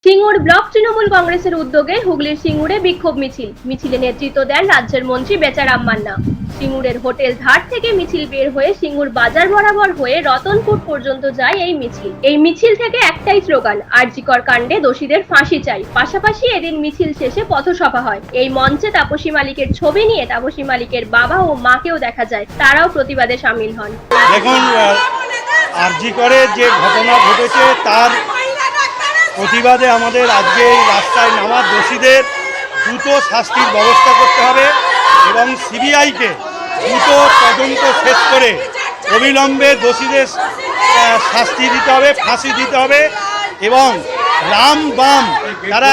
Singur block Trinamool কংগ্রেসের উদ্যোগে হুগলির সিঙ্গুরে বিক্ষোভ মিছিলে নেতৃত্ব দেন রাজ্যের মন্ত্রী বেচারাম মান্না। সিঙ্গুরের হোটেল ঘাট থেকে মিছিল বের হয়ে সিঙ্গুর বাজার বরাবর হয়ে রতনপুর পর্যন্ত যায় এই মিছিল থেকে একটাই স্লোগান, আরজিকর কাণ্ডে দোষীদের ফাঁসি চাই। পাশাপাশি এদিন মিছিল শেষে পথসভা হয়। এই মঞ্চে তাপসী মালিকের ছবি নিয়ে তাপসী মালিকের বাবা ও মাকেও দেখা যায়, তারাও প্রতিবাদে সামিল হন। দেখুন, আরজিকরের যে ঘটনা ঘটেছে তার প্রতিবাদে আমাদের আজকে এই রাস্তায় নামার দোষীদের দ্রুত শাস্তির ব্যবস্থা করতে হবে এবং সিবিআইকে দ্রুত তদন্ত শেষ করে অবিলম্বে দোষীদের শাস্তি দিতে হবে, ফাঁসি দিতে হবে এবং রাম বাম তারা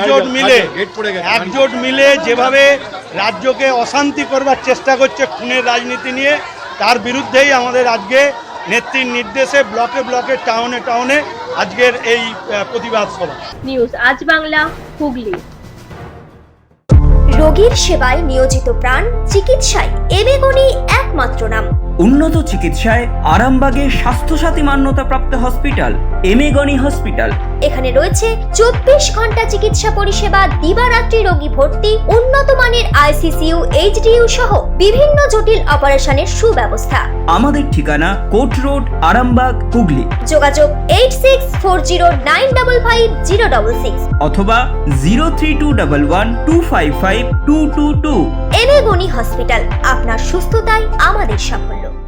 একজোট মিলে যেভাবে রাজ্যকে অশান্তি করবার চেষ্টা করছে খুনের রাজনীতি নিয়ে, তার বিরুদ্ধেই আমাদের আজকে নেত্রীর নির্দেশে ব্লকে ব্লকে টাউনে টাউনে আজকের এই প্রতিবাদ সভা। নিউজ আজ বাংলা, হুগলি। রোগীর সেবায় নিয়োজিত প্রাণ, চিকিৎসায় এবেগুনি একমাত্র নাম। উন্নত চিকিৎসায় আরামবাগে স্বাস্থ্যসাথী মান্যতাপ্রাপ্ত হসপিটাল এমেগনি হসপিটাল। এখানে রয়েছে 24 ঘন্টা চিকিৎসা পরিষেবা, দিবারাত্রি রোগী ভর্তি, উন্নত মানের আইসিসিইউ, এইচডিইউ সহ বিভিন্ন জটিল অপারেশনের সুব্যবস্থা। আমাদের ঠিকানা কোট রোড, আরামবাগ, হুগলি। যোগাযোগ 8640955066 অথবা 032112552222। এবেগুনি হসপিটাল, আপনার সুস্থতাই আমাদের সাফল্য।